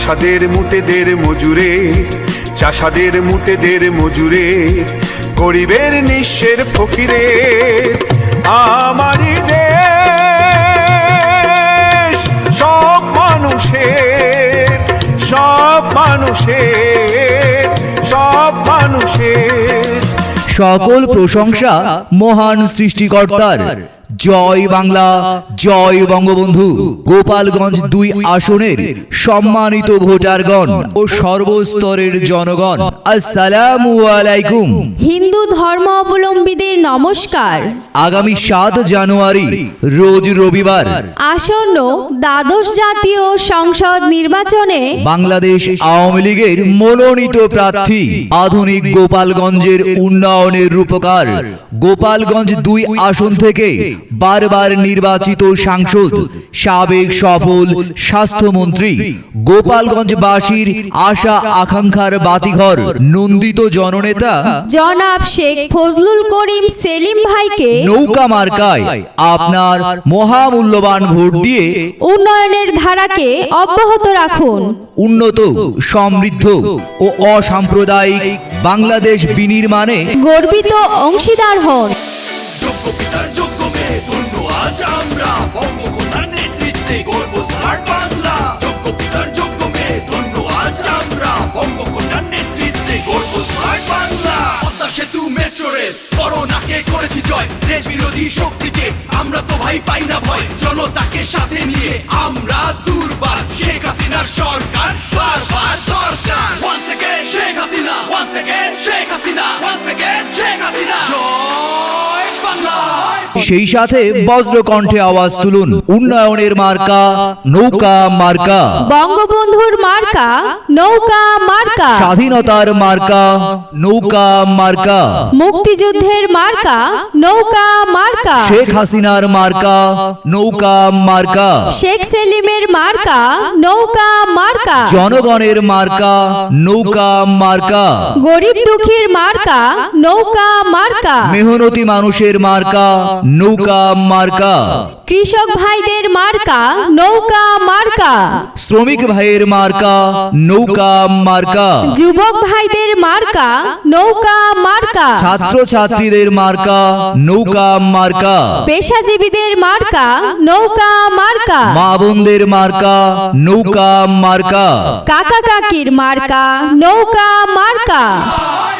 চাষাদের মুটেদের মজুরে, চাষাদের মুটেদের মজুরে, গরিবের নিঃস্বের ফকিরে। আমারই দেশ সব মানুষের, সব মানুষের, সব মানুষের। সকল প্রশংসা মহান সৃষ্টিকর্তার। জয় বাংলা, জয় বঙ্গবন্ধু। গোপালগঞ্জ 2 আসনের সম্মানিত ভোটারগণ ও সর্বস্তরের জনগণ, আসসালামু আলাইকুম। হিন্দু ধর্মাবলম্বীদের নমস্কার। আগামী 7 জানুয়ারি রোজ রবিবার আসন্ন দ্বাদশ জাতীয় সংসদ নির্বাচনে বাংলাদেশ আওয়ামী লীগের মনোনীত প্রার্থী, আধুনিক গোপালগঞ্জের উন্নয়নের রূপকার, গোপালগঞ্জ 2 আসন থেকে বারবার নির্বাচিত সাংসদ, সাবেক সফল স্বাস্থ্যমন্ত্রী, গোপালগঞ্জবাসীর আশা আকাঙ্ক্ষার বাতিঘর, নন্দিত জননেতা জনাব শেখ ফজলুল করিম সেলিম ভাইকে নৌকা মার্কায় আপনার মহামূল্যবান ভোট দিয়ে উন্নয়নের ধারাকে অব্যাহত রাখুন। উন্নত, সমৃদ্ধ ও অসাম্প্রদায়িক বাংলাদেশ বিনির্মাণে গর্বিত অংশীদার হন। যোগ্য পিতার যোগ্য মেয়ে ধন্য আজ আমরা, বঙ্গকন্যার নেতৃত্বে গর্ব স্মার্ট বাংলা। যোগ্য পিতার যোগ্য মেয়ে ধন্য আজ আমরা, বঙ্গকন্যার নেতৃত্বে গর্ব স্মার্ট বাংলা। পদ্মা সেতু মেট্রো রেল করোনাকে করেছি জয়, দেশ বিরোধী শক্তিকে আমরা তো ভাই পাই না ভয়। জনতাকে সাথে নিয়ে আমরা দুর্বার, শেখ হাসিনার সরকার বারবার দরকার। Once again Sheikh Hasina, once again Sheikh Hasina, once again Sheikh Hasina. জয় বাংলা। সেই সাথে বজ্রকণ্ঠে আওয়াজ তুলুন, উন্নয়নের মার্কা নৌকা মার্কা, বঙ্গবন্ধুর মার্কা নৌকা মার্কা, স্বাধীনতার মার্কা নৌকা মার্কা, মুক্তিযুদ্ধের মার্কা নৌকা মার্কা, শেখ হাসিনার মার্কা নৌকা মার্কা, শেখ সেলিমের মার্কা নৌকা মার্কা, জনগণের মার্কা নৌকা মার্কা, গরিব দুঃখীর মার্কা নৌকা মার্কা, মেহনতি মানুষের মার্কা নৌকা মার্কা, কৃষক ভাইদের মার্কা নৌকা মার্কা, শ্রমিক ভাইয়ের মার্কা নৌকা মার্কা, যুবক ভাইদের মার্কা নৌকা মার্কা, ছাত্র ছাত্রীদের মার্কা নৌকা মার্কা, পেশাজীবীদের মার্কা নৌকা মার্কা, মা বোনদের মার্কা নৌকা মার্কা, কাকা কাকির মার্কা নৌকা মার্কা।